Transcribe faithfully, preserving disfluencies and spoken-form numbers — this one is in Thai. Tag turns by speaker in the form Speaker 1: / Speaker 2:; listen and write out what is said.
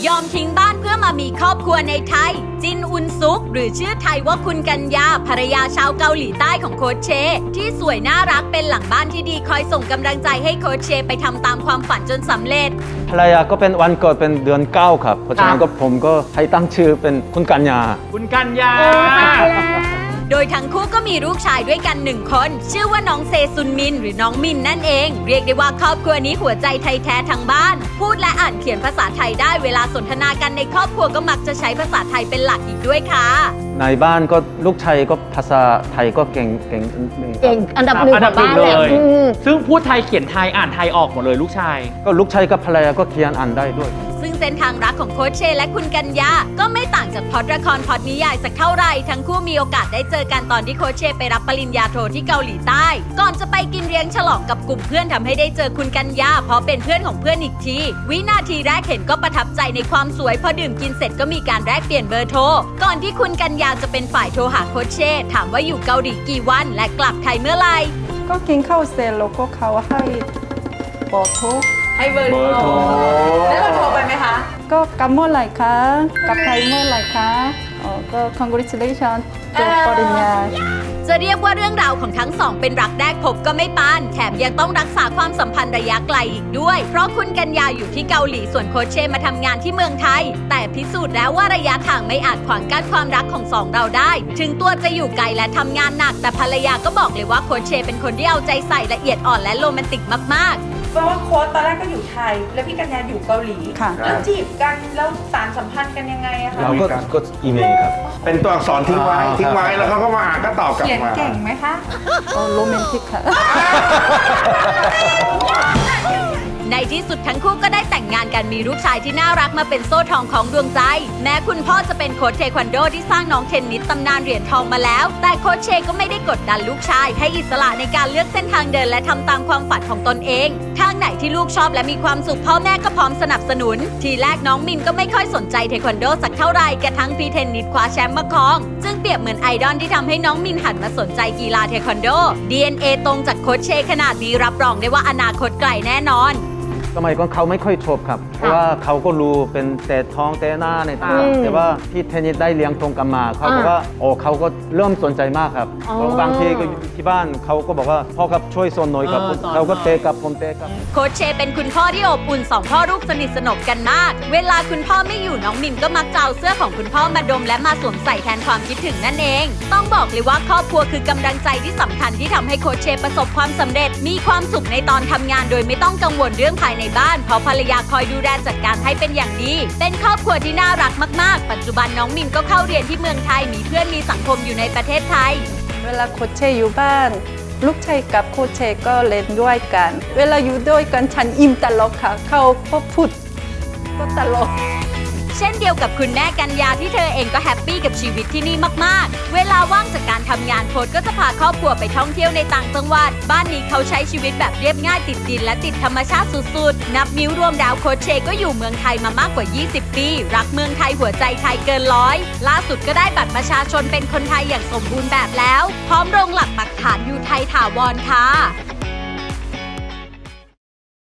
Speaker 1: ยอมทิ้งบ้านเพื่อมามีครอบครัวในไทยจินอุนซุกหรือชื่อไทยว่าคุณกัญญาภรรยาชาวเกาหลีใต้ของโค้ชเชที่สวยน่ารักเป็นหลังบ้านที่ดีคอยส่งกำลังใจให้โค้ชเชไปทำตามความฝันจนสำเร็จ
Speaker 2: ภรรยาก็เป็นวันเกิดเป็นเดือนเก้าครับเพราะฉะนั้นก็ผมก็ให้ตั้งชื่อเป็นคุณกัญญา
Speaker 3: คุณกัญญา
Speaker 1: โดยทั้งคู่ก็มีลูกชายด้วยกันหนึ่งคนชื่อว่าน้องเซซุนมินหรือน้องมินนั่นเองเรียกได้ว่าครอบครัวนี้หัวใจไทยแท้ทั้งบ้านพูดและอ่านเขียนภาษาไทยได้เวลาสนทนากันในครอบครัวก็มักจะใช้ภาษาไทยเป็นหลักอีกด้วยค่ะ
Speaker 2: ในบ้านก็ลูกชายก็ภาษาไทยก็เก่งเก่งหนึ่ง
Speaker 4: เก่งอันดับหนึ่งของบ้านเลย
Speaker 3: ซึ่งพูดไทยเขียนไทยอ่านไทยออกหมดเลยลูกชาย
Speaker 2: ก็ลูกชายกับภรรยาก็เขียนอ่านได้ด้วย
Speaker 1: ซึ่งเส้นทางรักของโค้ชเชและคุณกัญญาก็ไม่ต่างจากพล็อตละครพล็อตนิยายสักเท่าไหร่ทั้งคู่มีโอกาสได้เจอกันตอนที่โค้ชเชไปรับปริญญาโทที่เกาหลีใต้ก่อนจะไปกินเลี้ยงฉลองกับกลุ่มเพื่อนทำให้ได้เจอคุณกัญญาเพราะเป็นเพื่อนของเพื่อนอีกทีวินาทีแรกเห็นก็ประทับใจในความสวยพอดื่มกินเสร็จก็มีการแลกเปลี่ยนเบอร์โทรก่อนที่คุณกัญญาจะเป็นฝ่ายโทรหาโค้ชเชถามว่าอยู่เกาหลีกี่วันและกลับไทยเมื่อไหร่
Speaker 5: ก็กินข้าวเสร็จแล้วก็เขาให้เบอร์โทร
Speaker 1: ให้เบอร์โทรแล้วเราโทรไปไหมคะ
Speaker 5: ก็กลับเมื่อไหร่คะกลับไทยเมื่อไหร่คะอ๋อก็ congratulations จบปริญญา
Speaker 1: จะเรียกว่าเรื่องราวของทั้งสองเป็นรักแรกพบก็ไม่ปานแถมยังต้องรักษาความสัมพันธ์ระยะไกลอีกด้วยเพราะคุณกัญญาอยู่ที่เกาหลีส่วนโค้ชเชมาทำงานที่เมืองไทยแต่พิสูจน์แล้วว่าระยะทางไม่อาจขวางกั้นความรักของสองเราได้ถึงตัวจะอยู่ไกลและทำงานหนักแต่ภรรยาก็บอกเลยว่าโค้ชเชเป็นคนที่เอาใจใส่ละเอียดอ่อนและโรแมนติกมากๆ
Speaker 6: เพราะว่าโค้ชตอนแรกก็อยู่ไทยแล้วพี่กัญญาอยู่เกาหลีแล้วจีบกันแล้วสารสัมพันธ์กันยังไงอะคะ
Speaker 2: เราก็ก็อีเมลครับ
Speaker 7: เป็นตัวอักษรทิ้งไว้ทิ้งไว้แล้วเขาก็มาอ่านก็ตอบกลับมา
Speaker 6: เขียนเก่งไหมคะ
Speaker 5: โอ้โรแมนติกค่ะ
Speaker 1: ในที่สุดทั้งคู่ก็ได้แต่งงานกันมีลูกชายที่น่ารักมาเป็นโซ่ทองของดวงใจแม้คุณพ่อจะเป็นโค้ชเทควันโดที่สร้างน้องเทนนิสตำนานเหรียญทองมาแล้วแต่โค้ชเชก็ไม่ได้กดดันลูกชายให้อิสระในการเลือกเส้นทางเดินและทำตามความฝันของตนเองทางไหนที่ลูกชอบและมีความสุขพ่อแม่ก็พร้อมสนับสนุนทีแรกน้องมินก็ไม่ค่อยสนใจเทควันโดสักเท่าไหร่กระทั่งพี่เทนนิสคว้าแชมป์มาครองจึงเปรียบเหมือนไอดอลที่ทำให้น้องมินหันมาสนใจกีฬาเทควันโด ดี เอ็น เอ ตรงจากโค้ชเชขนาดนี้รับรองได้ว่าอนาคตไกลแน่นอน
Speaker 2: สมัยก่อนเขาไม่ค่อยชอบครับเพราะว่าเขาก็รู้เป็นเตะท้องเตะหน้าในตาแต่ว่าพี่เทนนิสได้เลี้ยงตรงกันมาเขาบอกว่าโอ้เขาก็เริ่มสนใจมากครับบางทีก็ที่บ้านเขาก็บอกว่าพ่อครับช่วยสอนหน่อยครับเขาก็เตะกับผมเตะกับ
Speaker 1: โค้ชเชเป็นคุณพ่อที่อบอุ่นสองพ่อลูกสนิทสนมกันมากเวลาคุณพ่อไม่อยู่น้องมินก็มักจะเอาเสื้อของคุณพ่อมาดมและมาสวมใส่แทนความคิดถึงนั่นเองต้องบอกเลยว่าครอบครัวคือกำลังใจที่สำคัญที่ทำให้โค้ชเชประสบความสำเร็จมีความสุขในตอนทำงานโดยไม่ต้องกังวลเรื่องภายในบ้านเพราะภรรยาคอยดูแลจัดการให้เป็นอย่างดีเป็นครอบครัวที่น่ารักมากๆปัจจุบันน้องมินก็เข้าเรียนที่เมืองไทยมีเพื่อนมีสังคมอยู่ในประเทศไทย
Speaker 5: เวลาโค้ชเชอยู่บ้านลูกชายกับโค้ชเชก็เล่นด้วยกันเวลาอยู่ด้วยกันฉันอิ่มตลกค่ะเขาก็พูดก็ตลก
Speaker 1: เช่นเดียวกับคุณแม่กัญญาที่เธอเองก็แฮปปี้กับชีวิตที่นี่มากๆเวลาว่างจากการทำงานโค้ชก็จะพาครอบครัวไปท่องเที่ยวในต่างจังหวัดบ้านนี้เขาใช้ชีวิตแบบเรียบง่ายติดดินและติดธรรมชาติสุดๆนับนิ้วรวมดาวโค้ชเชก็อยู่เมืองไทยมามากกว่ายี่สิบปีรักเมืองไทยหัวใจไทยเกินร้อยล่าสุดก็ได้บัตรประชาชนเป็นคนไทยอย่างสมบูรณ์แบบแล้วพร้อมลงหลักปักฐานอยู่ไทยถาวรค่ะ